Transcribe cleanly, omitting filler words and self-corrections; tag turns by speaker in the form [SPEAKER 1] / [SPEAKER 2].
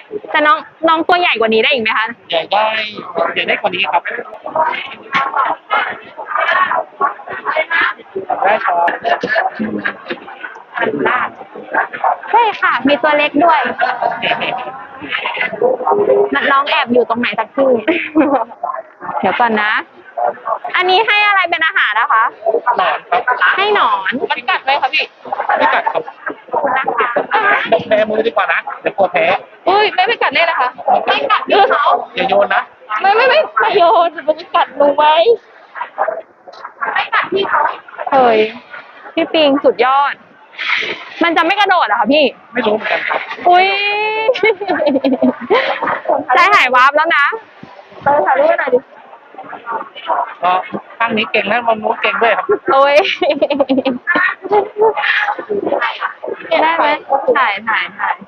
[SPEAKER 1] แต่น้องตัวใหญ่กว่านี้ได้อีกไหมคะ
[SPEAKER 2] ใหญ่ได้ใหญ่ได้กว่านี้ครับได้ครับ
[SPEAKER 1] ใช่ค่ะ มีตัวเล็กด้วยน้องแอบอยู่ตรงไหนสักที่ เดี๋ยวก่อนนะ อันนี้ให้อะไรเป็นอาหารนะคะ
[SPEAKER 2] หนอนครับ
[SPEAKER 1] ให้หนอน
[SPEAKER 2] มันกัดไหมครับพี่ไม่กัดครับ
[SPEAKER 1] นะคะ
[SPEAKER 2] แบมือดีกว่านะเดี๋ยวกลัวแพ้
[SPEAKER 1] อุ้ยไม่กัดเลยนะคะไม่กัดพี่เขา
[SPEAKER 2] อย่าโยนนะ
[SPEAKER 1] ไม่โยนมันจะกัดหนูไหมไม่กัดพี่เขาเฮ้ยพี่ปิงสุดยอด มันจะไม่กระโดดเหรอคะพี่
[SPEAKER 2] ไม่รู้เหมือนกันครับ
[SPEAKER 1] อุ้ยใจหายวาบแล้วนะถ่ายรูปหน่อยดิ
[SPEAKER 2] ก็ข้างนี้เก่งแล้วมันนู้นเก่งด้วยครับ
[SPEAKER 1] โอ้ยได้ไหมถ่าย